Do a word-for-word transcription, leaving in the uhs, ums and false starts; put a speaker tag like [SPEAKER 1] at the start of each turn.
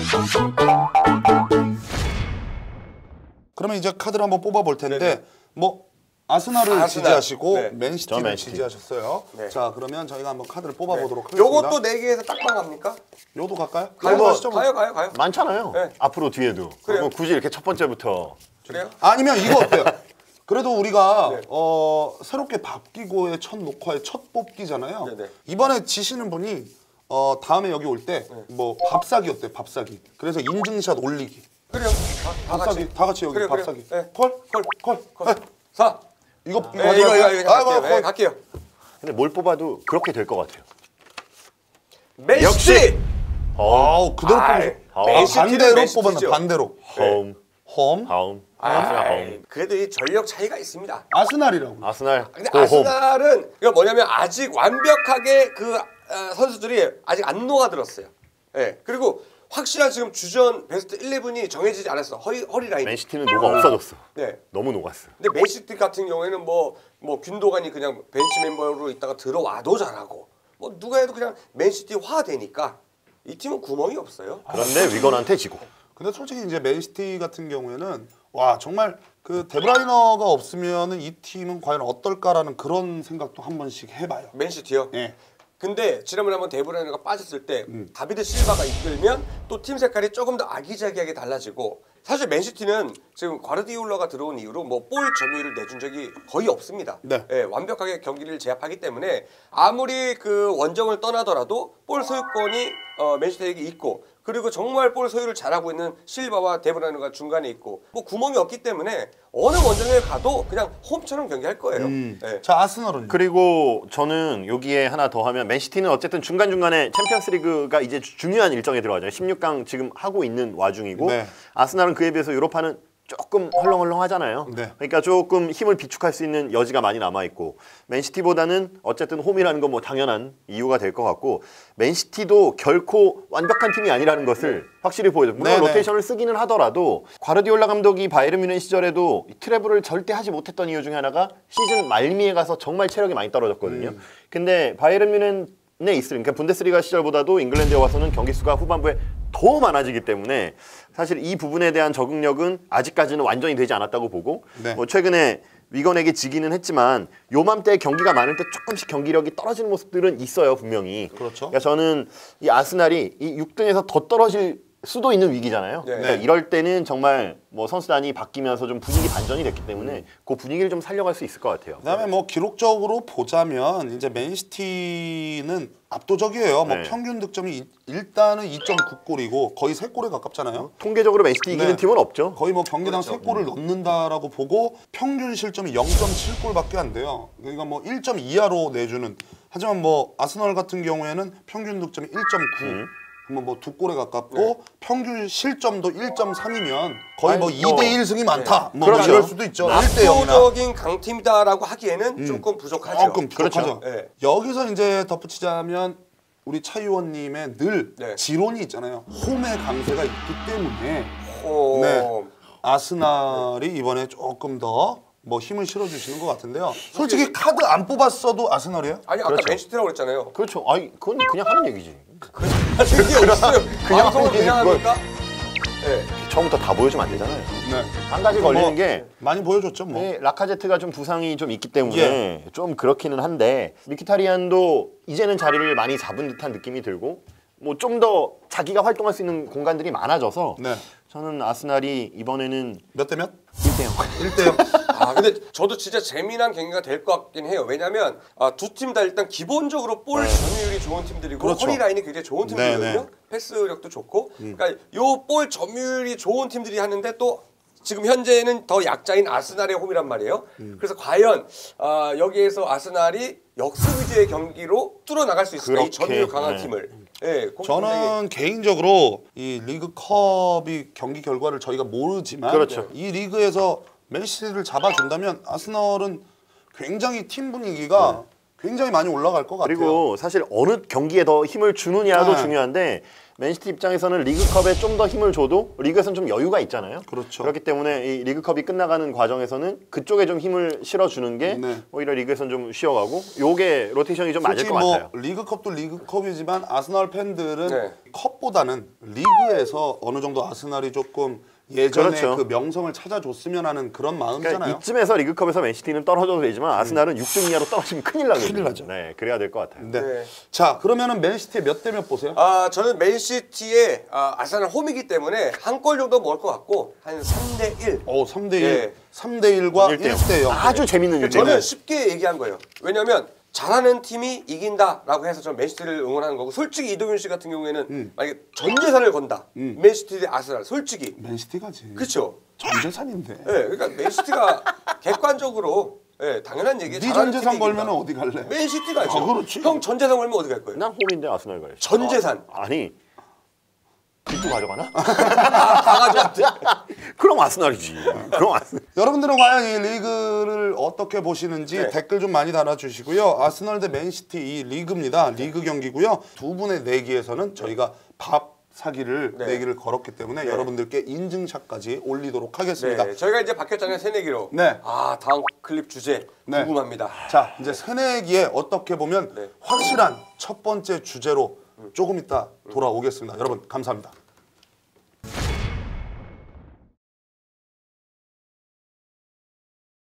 [SPEAKER 1] 그러면 이제 카드를 한번 뽑아볼 텐데 네네. 뭐 아스날을 아, 지지하시고 네. 맨시티를 맨시티. 지지하셨어요. 네. 자 그러면 저희가 한번 카드를 뽑아보도록 네. 하겠습니다.
[SPEAKER 2] 요것도 네 개에서 딱방 갑니까?
[SPEAKER 1] 요도 갈까요?
[SPEAKER 2] 가요, 가시죠, 가요, 가요, 가요.
[SPEAKER 3] 많잖아요. 네. 앞으로 뒤에도. 그래요. 굳이 이렇게 첫 번째부터.
[SPEAKER 2] 그래요?
[SPEAKER 1] 아니면 이거 어때요? 그래도 우리가 네. 어, 새롭게 바뀌고의 첫 녹화의 첫 뽑기잖아요. 네네. 이번에 지시는 분이 어, 다음에 여기 올 때 뭐 네. 밥사기 어때? 밥사기. 그래서 인증샷 올리기.
[SPEAKER 2] 그래요. 다, 다
[SPEAKER 1] 밥사기.
[SPEAKER 2] 같이.
[SPEAKER 1] 다 같이 여기
[SPEAKER 2] 그래요,
[SPEAKER 1] 밥사기.
[SPEAKER 2] 그래요. 네.
[SPEAKER 1] 콜? 콜? 콜? 콜?
[SPEAKER 2] 사.
[SPEAKER 1] 이거
[SPEAKER 2] 아, 이거 이거 이거, 이거 갈게요. 네, 갈게요.
[SPEAKER 3] 근데 뭘 뽑아도 그렇게 될 것 같아요.
[SPEAKER 2] 맨시티.
[SPEAKER 1] 아우 그대로 뽑으셔. 반대로 뽑았나 반대로.
[SPEAKER 3] 홈.
[SPEAKER 1] 홈.
[SPEAKER 3] 홈.
[SPEAKER 2] 아이, 그래도 이 전력 차이가 있습니다.
[SPEAKER 1] 아스날이라고.
[SPEAKER 3] 아스날.
[SPEAKER 2] 근데 아스날은 이거 뭐냐면 아직 완벽하게 그 어, 선수들이 아직 안 녹아들었어요. 예. 네. 그리고 확실한 지금 주전 베스트 십일이 정해지지 않았어. 허리 허리 라인.
[SPEAKER 3] 맨시티는 녹아 없어졌어. 네. 너무 녹았어.
[SPEAKER 2] 근데 맨시티 같은 경우에는 뭐 뭐 균도간이 그냥 벤치 멤버로 있다가 들어와도 잘하고 뭐 누가 해도 그냥 맨시티화 되니까 이 팀은 구멍이 없어요.
[SPEAKER 3] 그런데 위건한테 지고.
[SPEAKER 1] 근데 솔직히 이제 맨시티 같은 경우에는 와 정말 그 데브라이너가 없으면은 이 팀은 과연 어떨까라는 그런 생각도 한 번씩 해봐요.
[SPEAKER 2] 맨시티요?
[SPEAKER 1] 네.
[SPEAKER 2] 근데 지난번에 한번 데브라이너가 빠졌을 때 음. 다비드 실바가 이끌면 또 팀 색깔이 조금 더 아기자기하게 달라지고 사실 맨시티는 지금 과르디올라가 들어온 이후로 뭐 볼 점유율을 내준 적이 거의 없습니다.
[SPEAKER 1] 네.
[SPEAKER 2] 예, 완벽하게 경기를 제압하기 때문에 아무리 그 원정을 떠나더라도 볼 소유권이 어, 맨시티에게 있고 그리고 정말 볼 소유를 잘하고 있는 실바와 데브라이너가 중간에 있고 뭐 구멍이 없기 때문에 어느 원정에 가도 그냥 홈처럼 경기할 거예요. 음. 네.
[SPEAKER 1] 자 아스널은
[SPEAKER 3] 그리고 저는 여기에 하나 더 하면 맨시티는 어쨌든 중간중간에 챔피언스리그가 이제 중요한 일정에 들어가죠. 십육 강 지금 하고 있는 와중이고 네. 아스날은 그에 비해서 유로파는 조금 헐렁헐렁하잖아요. 네. 그러니까 조금 힘을 비축할 수 있는 여지가 많이 남아있고 맨시티보다는 어쨌든 홈이라는 건 뭐 당연한 이유가 될 것 같고 맨시티도 결코 완벽한 팀이 아니라는 것을 확실히 보여줘. 물론 네네. 로테이션을 쓰기는 하더라도 과르디올라 감독이 바이에른 뮌헨 시절에도 트래블을 절대 하지 못했던 이유 중에 하나가 시즌 말미에 가서 정말 체력이 많이 떨어졌거든요. 음. 근데 바이에른 뮌헨 네, 있으니까 그러니까 분데스리가 시절보다도 잉글랜드에 와서는 경기 수가 후반부에 더 많아지기 때문에 사실 이 부분에 대한 적응력은 아직까지는 완전히 되지 않았다고 보고 네. 뭐 최근에 위건에게 지기는 했지만 요맘때 경기가 많을 때 조금씩 경기력이 떨어지는 모습들은 있어요 분명히.
[SPEAKER 1] 그렇죠.
[SPEAKER 3] 그러니까 저는 이 아스날이 이 육 등에서 더 떨어질 수도 있는 위기잖아요. 네. 그러니까 이럴 때는 정말 뭐 선수단이 바뀌면서 좀 분위기 반전이 됐기 때문에 음. 그 분위기를 좀 살려갈 수 있을 것 같아요.
[SPEAKER 1] 그다음에 뭐 기록적으로 보자면 이제 맨시티는 압도적이에요. 네. 뭐 평균 득점이 일단은 이 점 구 골이고 거의 세 골에 가깝잖아요.
[SPEAKER 3] 통계적으로 맨시티 이기는 네. 팀은 없죠.
[SPEAKER 1] 거의 뭐 경기당 그렇죠. 세 골을 음. 넣는다라고 보고 평균 실점이 영 점 칠 골밖에 안 돼요. 그러니까 뭐 일 점 이하로 내주는. 하지만 뭐 아스널 같은 경우에는 평균 득점이 일 점 구. 음. 뭐 두 골에 가깝고 네. 평균 실점도 일 점 삼이면 거의 뭐 이 대 일 승이 많다. 네. 뭐
[SPEAKER 3] 그렇죠.
[SPEAKER 1] 이럴 수도 있죠. 일 대 영이나.
[SPEAKER 2] 압도적인 강팀이다라고 하기에는 음. 조금 부족하죠.
[SPEAKER 1] 조금 부족하죠. 그렇죠. 네. 여기서 이제 덧붙이자면 우리 차 의원님의 늘 네. 지론이 있잖아요. 홈의 강세가 있기 때문에
[SPEAKER 2] 홈.
[SPEAKER 1] 네. 아스날이 이번에 조금 더 뭐 힘을 실어주시는 것 같은데요. 솔직히 카드 안 뽑았어도 아스널이에요?
[SPEAKER 2] 아니 아까 그렇죠. 맨시티라고 그랬잖아요.
[SPEAKER 3] 그렇죠. 아니 그건 그냥 하는 얘기지.
[SPEAKER 2] 그게 없어요. 그냥 하는 그냥 합니까?
[SPEAKER 3] 네. 처음부터 다 보여주면 안 되잖아요.
[SPEAKER 1] 네.
[SPEAKER 3] 한 가지 걸리는
[SPEAKER 1] 뭐,
[SPEAKER 3] 게
[SPEAKER 1] 많이 보여줬죠 뭐.
[SPEAKER 3] 네, 라카제트가 좀 부상이 좀 있기 때문에
[SPEAKER 1] 예.
[SPEAKER 3] 좀 그렇기는 한데 미키타리안도 이제는 자리를 많이 잡은 듯한 느낌이 들고 뭐 좀 더 자기가 활동할 수 있는 공간들이 많아져서
[SPEAKER 1] 네.
[SPEAKER 3] 저는 아스날이 이번에는
[SPEAKER 1] 몇 대 몇?
[SPEAKER 3] 일 대 영.
[SPEAKER 1] 일 대 영.
[SPEAKER 2] 아 근데 저도 진짜 재미난 경기가 될 것 같긴 해요. 왜냐면 아, 두 팀 다 일단 기본적으로 볼
[SPEAKER 1] 네.
[SPEAKER 2] 점유율이 좋은 팀들이고
[SPEAKER 1] 그렇죠.
[SPEAKER 2] 허리 라인이 굉장히 좋은 팀들이거든요.
[SPEAKER 1] 네, 네.
[SPEAKER 2] 패스력도 좋고. 음. 그러니까 요 볼 점유율이 좋은 팀들이 하는데 또 지금 현재는 더 약자인 아스날의 홈이란 말이에요. 음. 그래서 과연 아, 여기에서 아스날이 역습 위주의 경기로 뚫어 나갈 수 있을까? 이 점유율 강한 네. 팀을. 네,
[SPEAKER 1] 저는 개인적으로 이 리그컵이 경기 결과를 저희가 모르지만
[SPEAKER 3] 그렇죠.
[SPEAKER 1] 이 리그에서 맨시티를 잡아준다면 아스널은 굉장히 팀 분위기가 네. 굉장히 많이 올라갈 것 같아요.
[SPEAKER 3] 그리고 사실 어느 경기에 더 힘을 주느냐도
[SPEAKER 1] 네.
[SPEAKER 3] 중요한데 맨시티 입장에서는 리그컵에 좀 더 힘을 줘도 리그에서는 좀 여유가 있잖아요.
[SPEAKER 1] 그렇죠.
[SPEAKER 3] 그렇기 때문에 이 리그컵이 끝나가는 과정에서는 그쪽에 좀 힘을 실어주는 게
[SPEAKER 1] 네.
[SPEAKER 3] 오히려 리그에서는 좀 쉬어가고 요게 로테이션이 좀 맞을
[SPEAKER 1] 솔직히
[SPEAKER 3] 것
[SPEAKER 1] 뭐
[SPEAKER 3] 같아요.
[SPEAKER 1] 리그컵도 리그컵이지만 아스널 팬들은
[SPEAKER 2] 네.
[SPEAKER 1] 컵보다는 리그에서 어느 정도 아스날이 조금 예전에
[SPEAKER 3] 그렇죠.
[SPEAKER 1] 그 명성을 찾아줬으면 하는 그런 마음이잖아요.
[SPEAKER 3] 그러니까 이쯤에서 리그컵에서 맨시티는 떨어져도 되지만 아스날은 육 등 이하로 떨어지면 큰일 나거든요.
[SPEAKER 1] 큰일 나죠.
[SPEAKER 3] 네, 그래야 될 것 같아요.
[SPEAKER 1] 네.
[SPEAKER 2] 네.
[SPEAKER 1] 자, 그러면은 맨시티의 몇 대 몇 보세요?
[SPEAKER 2] 아 저는 맨시티의 아, 아스날 홈이기 때문에 한 골 정도 먹을 것 같고 한 삼 대 일.
[SPEAKER 1] 오, 삼 대 일.
[SPEAKER 2] 예.
[SPEAKER 1] 삼 대 일과 일 대 영.
[SPEAKER 3] 아주 재밌는 일대
[SPEAKER 2] 저는
[SPEAKER 3] 영.
[SPEAKER 2] 쉽게 얘기한 거예요. 왜냐면 잘하는 팀이 이긴다라고 해서 저는 맨시티를 응원하는 거고 솔직히 이동윤 씨 같은 경우에는
[SPEAKER 1] 음.
[SPEAKER 2] 만약에 전 재산을 건다. 맨시티 대 아스날 솔직히
[SPEAKER 1] 맨시티가지.
[SPEAKER 2] 그렇죠.
[SPEAKER 1] 전재산인데.
[SPEAKER 2] 예, 그러니까 맨시티가 객관적으로 예, 당연한 얘기예요.
[SPEAKER 1] 네
[SPEAKER 2] 잘하는
[SPEAKER 1] 전재산
[SPEAKER 2] 팀이
[SPEAKER 1] 걸면
[SPEAKER 2] 이긴다.
[SPEAKER 1] 어디 갈래?
[SPEAKER 2] 맨시티가 죠
[SPEAKER 1] 아, 그렇지.
[SPEAKER 2] 형 전재산 걸면 어디 갈 거예요?
[SPEAKER 3] 난 홈인데 아스날 가야지.
[SPEAKER 2] 전 재산.
[SPEAKER 3] 아, 아니 빚도 가져가나?
[SPEAKER 2] 다 가져왔대.
[SPEAKER 3] 그럼 아스날이지. 그럼 아스날.
[SPEAKER 1] 여러분들은 과연 이 리그를 어떻게 보시는지
[SPEAKER 2] 네.
[SPEAKER 1] 댓글 좀 많이 달아주시고요. 아스널 대 맨시티 이 리그입니다. 리그 경기고요. 두 분의 내기에서는 저희가 밥 사기를
[SPEAKER 2] 네.
[SPEAKER 1] 내기를 걸었기 때문에
[SPEAKER 2] 네.
[SPEAKER 1] 여러분들께 인증샷까지 올리도록 하겠습니다.
[SPEAKER 2] 네, 저희가 이제 바뀌었잖아요 새내기로.
[SPEAKER 1] 네.
[SPEAKER 2] 아 다음 클립 주제
[SPEAKER 1] 네.
[SPEAKER 2] 궁금합니다.
[SPEAKER 1] 자, 이제 새내기에 어떻게 보면
[SPEAKER 2] 네.
[SPEAKER 1] 확실한 첫 번째 주제로 조금 이따 돌아오겠습니다. 여러분 감사합니다.